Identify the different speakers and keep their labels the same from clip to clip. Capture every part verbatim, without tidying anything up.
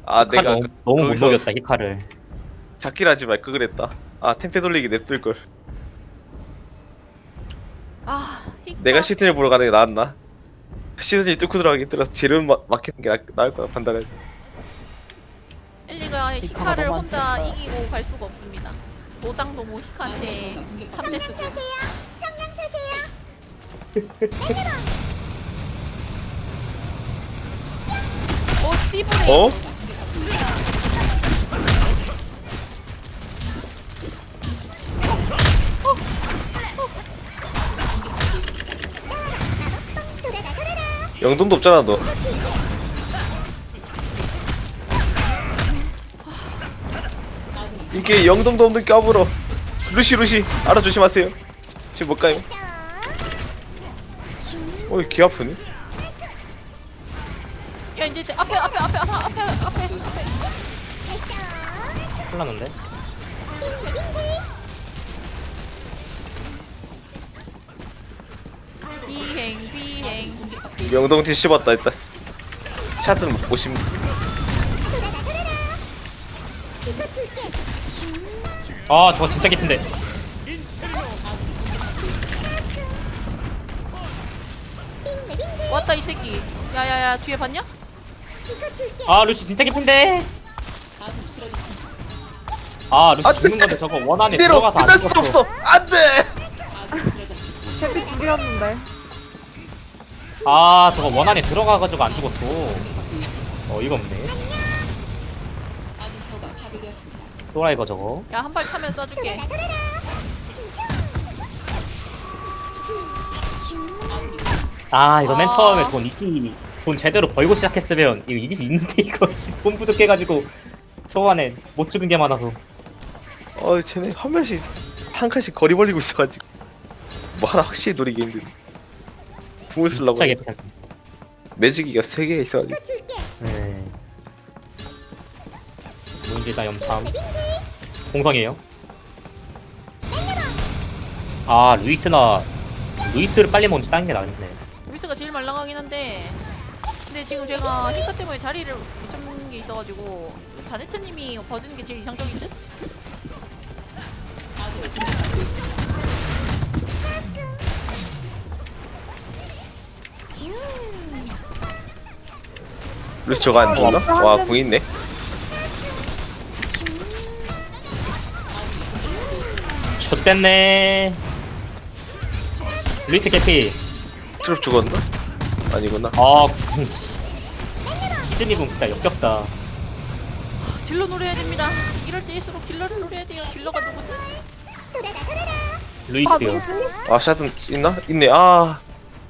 Speaker 1: 아
Speaker 2: 히카
Speaker 1: 내가
Speaker 2: 너무,
Speaker 1: 그,
Speaker 2: 너무 못
Speaker 1: 거기서
Speaker 2: 녹였다 히카를.
Speaker 1: 잡기를 하지 말걸 그랬다. 아 템페 돌리기 냅둘걸.
Speaker 3: 아 히카.
Speaker 1: 내가 시즌을 보러 가는 게 나았나? 시즌이 뚫고 들어가기 힘들어서 재료는 막 막히는 게 나, 나을 거야 판단해.
Speaker 3: 엘리가
Speaker 2: 히카가
Speaker 3: 히카를
Speaker 2: 너무
Speaker 3: 혼자
Speaker 2: 안 됐다.
Speaker 3: 이기고 갈 수가 없습니다. 노장도 뭐 히카한테 삼 대스 줘. 어 씨브레.
Speaker 1: 어? 영동도 없잖아 너. 이게 영동도 없는 까불어. 루시 루시 알아 조심하세요. 지금 못 가요. 어이 귀 아프네.
Speaker 3: 야 이제 이제 앞에 앞에 앞에 앞에 앞에 앞에 앞에.
Speaker 2: 큰일 났는데?
Speaker 3: 비행 비행.
Speaker 1: 영동 뒤 씹었다 일단. 샷은 오십.
Speaker 2: 아 저거 진짜 깊은데.
Speaker 3: 왔다 이 새끼. 야야야 뒤에 봤냐?
Speaker 2: 아 루시 진짜 깊은데. 아 루시
Speaker 1: 안 돼.
Speaker 2: 죽는 건데 저거 원 안에
Speaker 1: 이대로
Speaker 2: 들어가서 안
Speaker 1: 끝날 수
Speaker 2: 죽었어.
Speaker 1: 없어. 안돼.
Speaker 4: 템피 죽였는데.
Speaker 2: 아 저거 원 안에 들어가가지고 안 죽었어. 진짜 어이가 없네. 또라이거 저거.
Speaker 3: 야 한 발 차면 쏴줄게.
Speaker 2: 아 이거 맨
Speaker 3: 아.
Speaker 2: 처음에 돈 이기 돈 제대로 벌고 시작했으면 이거 이길 수 있는데 이거 씨, 돈 부족해가지고 초반에 못 죽은 게 많아서.
Speaker 1: 어 쟤네 한 명씩 한 칸씩 거리 벌리고 있어가지고 뭐 하나 확실히 노리기 힘든. 궁을 쓰려고
Speaker 2: 진짜
Speaker 1: 했는데
Speaker 2: 개판.
Speaker 1: 매직기가 세 개 있어가지고.
Speaker 2: 네. 문제다 염탐. 공성이에요. 아 루이스나 루이스를 빨리 먼저 따는 게 나겠네.
Speaker 3: 루이스가 제일 말랑하긴 한데 근데 지금 제가 히카 때문에 자리를 못 잡는 게 있어가지고 자네트님이 봐주는 게 제일 이상적인 듯?
Speaker 1: 루시 저거 안 죽나? 와 궁 있네.
Speaker 2: 좆됐네. 루이스 개피.
Speaker 1: 트롭 죽었나? 아니구나.
Speaker 2: 아 구분. 시드니 군 진짜 역겹다.
Speaker 3: 딜러 노려야 됩니다. 이럴 때일수록 딜러를 노려야 돼요. 딜러가 누구지?
Speaker 2: 루이스요.
Speaker 1: 아 샷은 있나? 있네. 아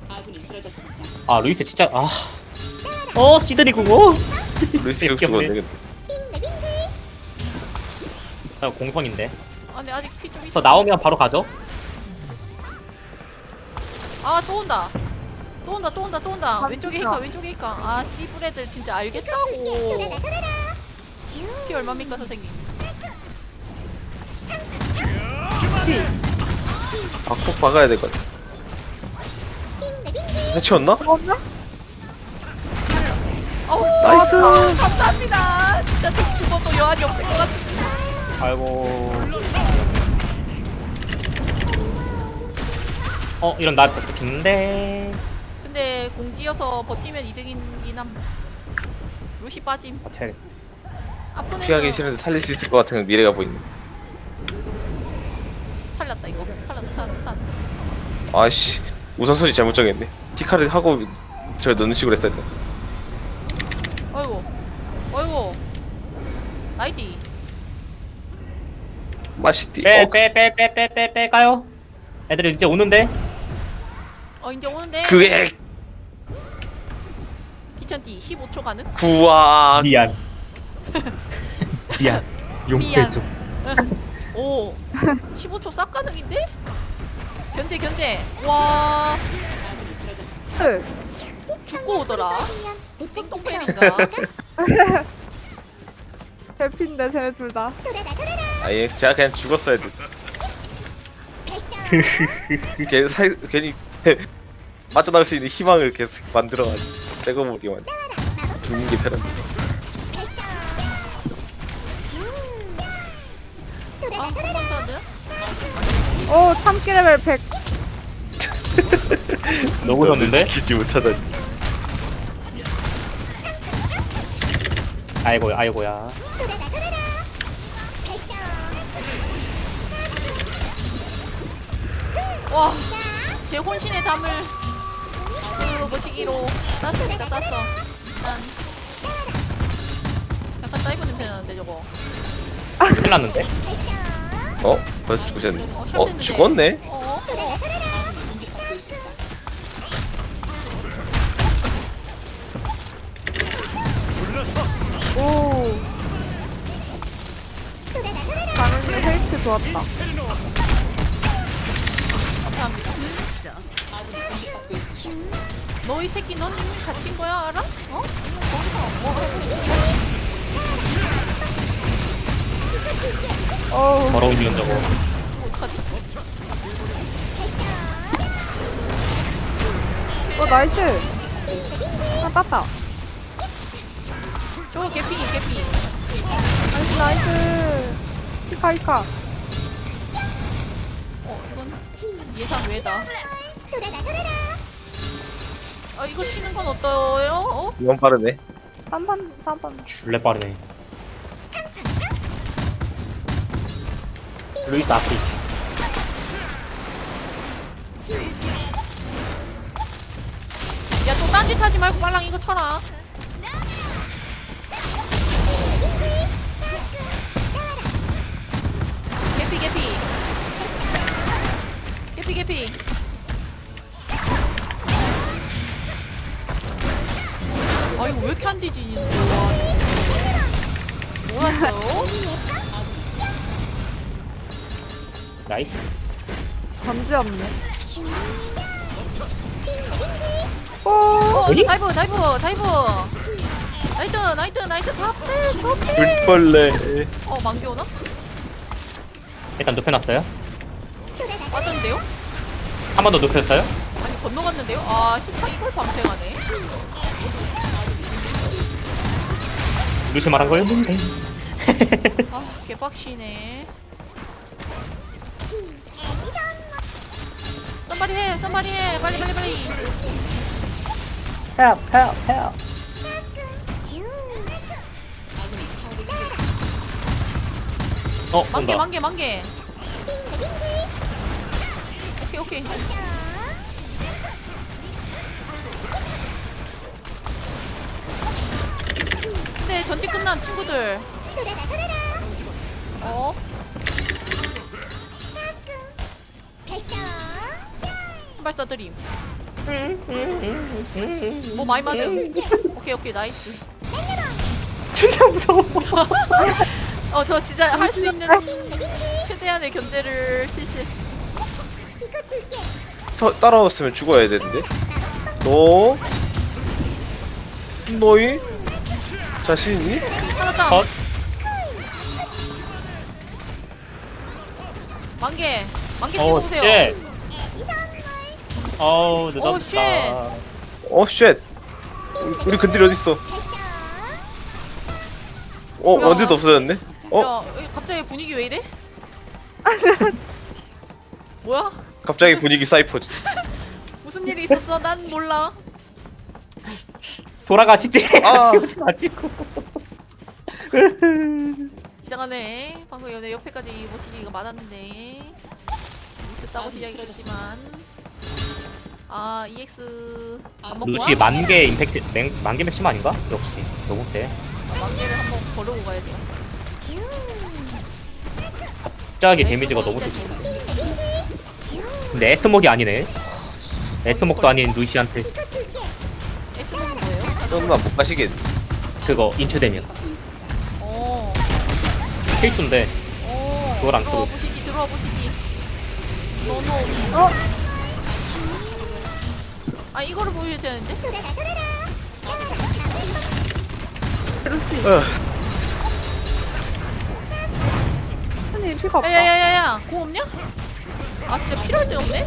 Speaker 2: 아 루이스 진짜 아. 어 시드니 군. 어.
Speaker 1: 루이스
Speaker 2: 진짜
Speaker 1: 격 죽었네.
Speaker 2: 역겹네.
Speaker 1: 근데.
Speaker 2: 아, 공성인데.
Speaker 3: 아 근데 아직 피 좀
Speaker 2: 저
Speaker 3: 있어.
Speaker 2: 나오면 바로 가죠.
Speaker 3: 아또 온다. 또 온다 또 온다 또 온다.
Speaker 4: 아,
Speaker 3: 왼쪽에
Speaker 4: 진짜.
Speaker 3: 히카 왼쪽에 히카. 아 씨브레들 진짜 알겠다고. 피 얼마입니까 선생님?
Speaker 1: 아꼭 박아야 될 것 같아. 해치웠나?
Speaker 4: 죽었네?
Speaker 3: 어우
Speaker 1: 나이스.
Speaker 3: 감사합니다. 진짜 저 죽어도 여한이 없을 것 같습니다.
Speaker 2: 아이고. 어 이런 나 죽는데.
Speaker 3: 근데 공지여서 버티면 이득이긴 함. 루시 빠짐.
Speaker 2: 제
Speaker 3: 아픈
Speaker 1: 피하기
Speaker 3: 애는
Speaker 1: 싫은데 살릴 수 있을 것 같은 미래가 보이네.
Speaker 3: 살렸다 이거. 살렸다 살렸다 살렸다.
Speaker 1: 아씨 우선순위 잘못 정했네. 티카를 하고 저 넣는 식으로 했어야 돼.
Speaker 3: 어이구 어이구 나이디.
Speaker 1: 맛있디.
Speaker 2: 빼
Speaker 1: 어,
Speaker 2: 빼 빼 빼 빼 빼 빼가요. 애들이 이제 오는데.
Speaker 3: 어 이제 오는데
Speaker 1: 그게
Speaker 3: 귀찮디 십오 초 가능?
Speaker 1: 구악.
Speaker 2: 미안. 미안.
Speaker 3: 미안.
Speaker 2: 용서해줘.
Speaker 3: 오 십오 초 싹 가능인데? 견제 견제. 와
Speaker 4: 헐.
Speaker 3: 죽고 오더라. 띵똥팬인가?
Speaker 4: 템피인데 쟤네 둘 다.
Speaker 1: 아예 제가 그냥 죽었어야 돼. 괜히 사 괜히 빠져나갈 수 있는 희망을 계속 만들어가지고 떼고 보기만. 죽는 게 편한데.
Speaker 4: 오 참기 레벨 백.
Speaker 2: 너무 졌는데?
Speaker 1: 지키지 못하다니.
Speaker 2: 아이고 아이고야.
Speaker 3: 와, 제 혼신의 담을 그 머시기로 땄습니다. 땄어. 일단 약간 사이버 냄새 나는데 저거.
Speaker 2: 큰일 났는데?
Speaker 1: 어? 벌써 죽으셨네.
Speaker 3: 어,
Speaker 1: 어
Speaker 3: 샵했는데.
Speaker 1: 죽었네.
Speaker 3: 어? 어?
Speaker 4: 오. 당연히 헬스 좋았다.
Speaker 3: 감사합니다. 너 이 새끼 넌 이미 갇힌 거야 알아? 어? 거기서 뭐 하는 거야?
Speaker 4: 어우.
Speaker 2: 더러운 년 저거.
Speaker 3: 어떡하지?
Speaker 4: 어 나이스. 아 땄다.
Speaker 3: 저거 개피 개피.
Speaker 4: 나이스 나이스. 히카 히카.
Speaker 3: 어 이건 예상 외다. 아 이거 치는 건 어떠요? 어?
Speaker 1: 이건 빠르네.
Speaker 4: 삼번 삼번.
Speaker 2: 줄레 빠르네. 루이스 앞이.
Speaker 3: 야 또 딴짓 하지 말고 빨랑 이거 쳐라. 개피 개피. 개피 개피. 아 이거 왜 이렇게 안 되지? 뭐랐어요?
Speaker 2: 나이스.
Speaker 4: 전지 없네. 오.
Speaker 3: 어
Speaker 2: 어디?
Speaker 3: 다이브 다이브 다이브. 나이트 나이트 나이트 잡대 잡대.
Speaker 1: 불벌레.
Speaker 3: 어 만개 오나?
Speaker 2: 일단 눕혀놨어요.
Speaker 3: 빠졌는데요?
Speaker 2: 한 번 더 눕혔어요.
Speaker 3: 아니 건너갔는데요? 아 히카 이걸 방생하네.
Speaker 2: 루시 말한 거였는데.
Speaker 3: 아 개빡치네. 썸바리 해 썸바리 해 빨리 빨리 빨리.
Speaker 2: 헬, 헬, 헬. 어,
Speaker 3: 만개
Speaker 2: 온다.
Speaker 3: 만개 만개. 오케이 오케이. 근데 전지 끝남 친구들. 어? 발사 드림. 뭐 많이 맞음. 오케이 오케이 나이스.
Speaker 2: 진짜 무서워.
Speaker 3: 어 저 진짜 할 수 있는 최대한의 견제를 실시했어.
Speaker 1: 더 따라왔으면 죽어야 되는데. 너 너희 자신이?
Speaker 3: 하나 땅.
Speaker 2: 컷.
Speaker 3: 만개 만개
Speaker 2: 어우,
Speaker 3: 찍어보세요.
Speaker 2: 쉣. 어우,
Speaker 3: 오,
Speaker 2: 늦었다.
Speaker 3: 쉣.
Speaker 1: 어 쉣. 우리 근딜 어디 있어? 어
Speaker 3: 야.
Speaker 1: 원딜도 없어졌네. 어
Speaker 3: 야 여기 갑자기 분위기 왜 이래? 뭐야?
Speaker 1: 갑자기 분위기 사이퍼.
Speaker 3: 무슨 일이 있었어? 난 몰라.
Speaker 2: 돌아가시지.
Speaker 1: 아.
Speaker 2: 지우지 마시고.
Speaker 3: 이상하네. 방금 연애 옆에까지 모시기가 많았는데 있었다고 이야기했지만 아 이엑스 안 먹고
Speaker 2: 루시
Speaker 3: 와?
Speaker 2: 만개 임팩트, 맹, 만개 맥심 아닌가? 역시 너무 세.
Speaker 3: 아, 만개를 한번 걸어고 가야 돼.
Speaker 2: 갑자기 데미지가 너무 세지. 근데 에스목이 아니네. 에스목도 아닌 루시한테
Speaker 3: S 먹는 거예요?
Speaker 1: 설마 못 가시겠?
Speaker 2: 그거 인추되면
Speaker 3: 어.
Speaker 2: 필수인데
Speaker 3: 어.
Speaker 2: 그걸 안
Speaker 3: 들어와
Speaker 2: 쓰고.
Speaker 3: 보시지. 들어와 보시지. 너너.
Speaker 4: 어.
Speaker 3: 아 이거를 보여야 되는데?
Speaker 1: 어.
Speaker 4: 아니 피가 없다.
Speaker 3: 야야야야야 공 없냐? 아 진짜 필요할 때 없네?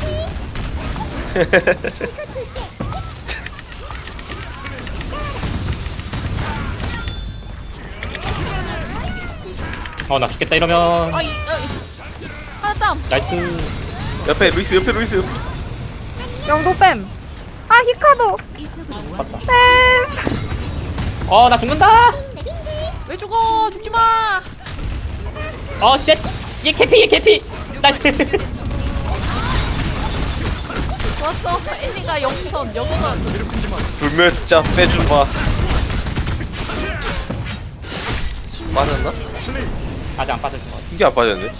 Speaker 2: 어 나 죽겠다 이러면
Speaker 3: 아이 아, 이- 하나 땀.
Speaker 2: 나이스.
Speaker 1: 옆에 루이스 옆에 루이스.
Speaker 4: 영도 뺨. 아 히카도.
Speaker 2: 맞다.
Speaker 4: 뺨.
Speaker 2: 어, 나 죽는다.
Speaker 3: 왜 죽어? 죽지 마.
Speaker 2: 어, 쉣. 얘 개피, 얘 개피. 나
Speaker 3: 좋았어. 엘리가 영선, 영선.
Speaker 1: 불멸자 빼주마. 빠졌나?
Speaker 2: 아직 안 빠졌어.
Speaker 1: 이게 안 빠졌네.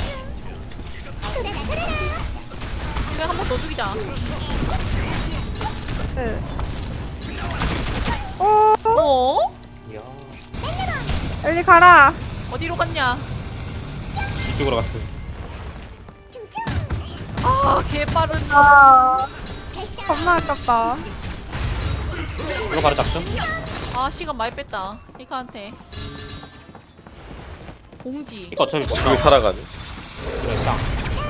Speaker 3: 그래 한 번 더 죽이자.
Speaker 4: 네. 오.
Speaker 3: 어?
Speaker 2: 이야.
Speaker 4: 엘리 가라.
Speaker 3: 어디로 갔냐?
Speaker 2: 이쪽으로 갔어.
Speaker 3: 아, 개 빠른.
Speaker 4: 아. 겁나 아깝다.
Speaker 2: 이거 바로 잡죠?
Speaker 3: 아, 시간 많이 뺐다. 히카한테. 공지.
Speaker 2: 이거 어차피 못
Speaker 1: 여기
Speaker 2: 나와.
Speaker 1: 살아가네.
Speaker 2: 그래, 짱.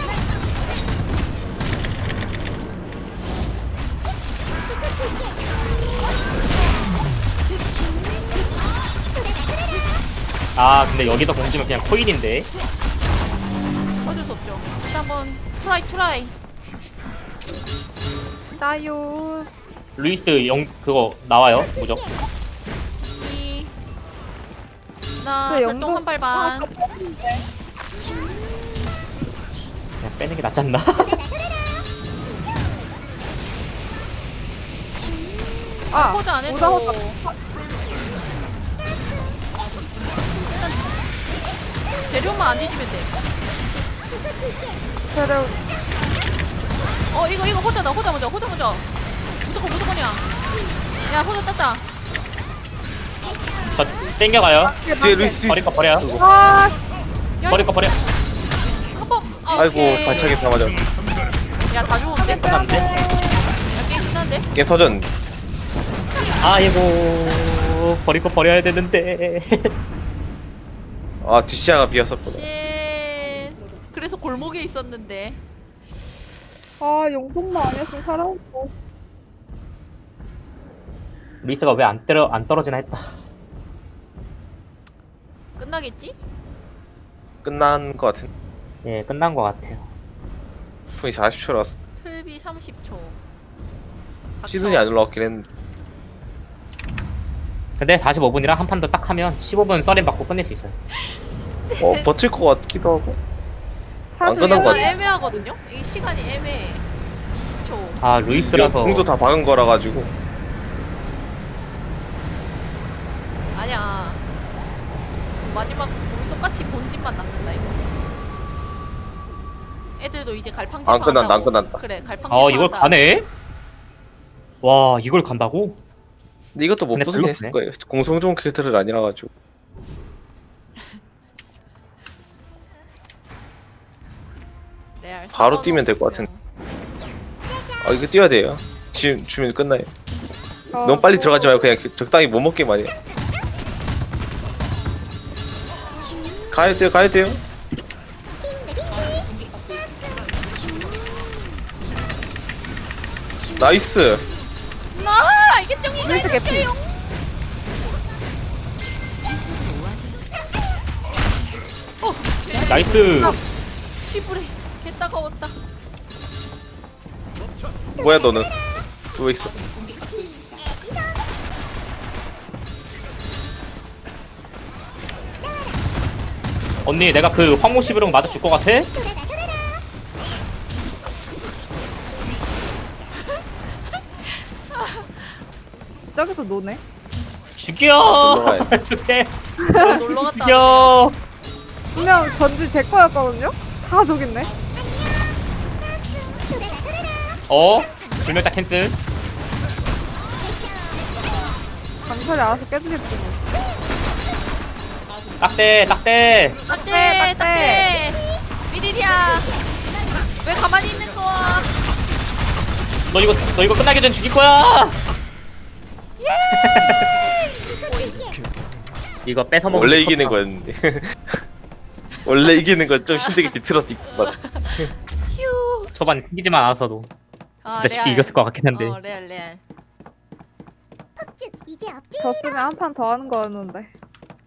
Speaker 2: 아, 근데 여기서 공지면 그냥 코일인데.
Speaker 3: 어쩔 수 없죠. 일단 한번 트라이 트라이.
Speaker 4: 나요.
Speaker 2: 루이스 영 그거 나와요 무적.
Speaker 3: 이. 나
Speaker 4: 그
Speaker 3: 별똥 한 발 반.
Speaker 2: 그냥 빼는 게 낫지 않나?
Speaker 4: 아.
Speaker 3: 포즈 안 해도.
Speaker 4: 오다 오다.
Speaker 3: 일단 재료만 안 뒤지면 돼.
Speaker 4: 재료.
Speaker 3: 어, 이거 이거 호자다. 호자 먼저. 호자 먼저. 무조건 무조건이야. 야, 호자 땄다.
Speaker 2: 저 땡겨가요.
Speaker 1: 뒤에 루이스
Speaker 2: 버릴 거 버려.
Speaker 4: 아.
Speaker 3: 야,
Speaker 2: 버릴 거 버려.
Speaker 3: 한 번. 아,
Speaker 1: 아이고
Speaker 3: 오케이.
Speaker 1: 반짝이 다 맞아.
Speaker 3: 야, 다 죽었는데?
Speaker 2: 끝났는데?
Speaker 3: 야, 게임 끝났는데?
Speaker 1: 게임 터졌는데.
Speaker 2: 아이고 버릴 거 버려야 되는데.
Speaker 1: 아 뒷시야가 비었었구나.
Speaker 3: 쉣. 그래서 골목에 있었는데.
Speaker 4: 아 용돈만 아니었으면 살아있어.
Speaker 2: 루이스가 왜 안 때려 안 떨어지나 했다.
Speaker 3: 끝나겠지?
Speaker 1: 끝난 거 같은.
Speaker 2: 예, 끝난 거 같아요.
Speaker 1: 분이 사십 초라서
Speaker 3: 틀비 삼십 초.
Speaker 1: 시즌이 안 올라왔긴 했는데.
Speaker 2: 근데 사십오 분이랑 한 판 더 딱 하면 십오 분 썰림 받고 끝낼 수 있어요.
Speaker 1: 어 버틸 것 같기도 하고. 안
Speaker 4: 사실
Speaker 1: 끝난 거
Speaker 3: 이게
Speaker 1: 같아.
Speaker 3: 애매하거든요? 이게 시간이 애매해. 이십 초.
Speaker 2: 아 루이스라서
Speaker 1: 공도 다 박은 거라 가지고.
Speaker 3: 아니야. 마지막 우리 똑같이 본진만 남는다 이거. 애들도 이제 갈팡질
Speaker 1: 안 끝난다,
Speaker 3: 한다고.
Speaker 1: 안 끝난다.
Speaker 3: 그래, 갈팡질.
Speaker 2: 아 이걸
Speaker 3: 한다.
Speaker 2: 가네? 와 이걸 간다고?
Speaker 1: 근데 이것도 못
Speaker 2: 근데
Speaker 1: 부수긴
Speaker 2: 별로
Speaker 1: 했을 거예요. 공성 좋은 캐릭터를 아니라 가지고.
Speaker 3: 레알
Speaker 1: 바로
Speaker 3: 사과가
Speaker 1: 뛰면 될 것
Speaker 3: 없어요.
Speaker 1: 아 이거 뛰어야 돼요. 지금 주면 끝나요.
Speaker 4: 어,
Speaker 1: 너무 빨리 들어가지 말고 그냥 적당히 못 먹게 말이야. 가야 돼요, 가야 돼요. 나이스.
Speaker 3: 나 이게 쫑이가
Speaker 4: 루이스 개피.
Speaker 3: 있어요.
Speaker 2: 나이스.
Speaker 3: 시부레 개 따가웠다.
Speaker 1: 뭐야 너는? 왜 있어?
Speaker 2: 언니 내가 그 황무 시비롱 맞아 줄 것 같아?
Speaker 4: 저기서 노네.
Speaker 2: 죽여.
Speaker 1: 놀러가야
Speaker 2: 죽여.
Speaker 3: 아, 놀러 갔다.
Speaker 2: 죽여.
Speaker 4: 분명 전지 제 거였거든요. 다 저기 있네.
Speaker 2: 어? 불멸자 캔슬.
Speaker 4: 강철이 알아서 깨주겠지 뭐.
Speaker 2: 딱대 딱대.
Speaker 3: 딱대
Speaker 4: 딱대.
Speaker 3: 딱대. 미리리야. 왜 가만히 있는 거야?
Speaker 2: 너 이거 너 이거 끝나기 전 죽일 거야. 이거 뺏어 먹.
Speaker 1: 원래 이기는 거였는데. 원래 이기는 건 좀 힘들게 비틀었을 것 같아.
Speaker 3: 휴.
Speaker 2: 초반 이기지만 않았어도
Speaker 3: 아,
Speaker 2: 진짜 쉽게
Speaker 3: 레알.
Speaker 2: 이겼을 것 같긴 한데.
Speaker 3: 어, 레알 레알.
Speaker 4: 졌으면 한 판 더 하는 거였는데.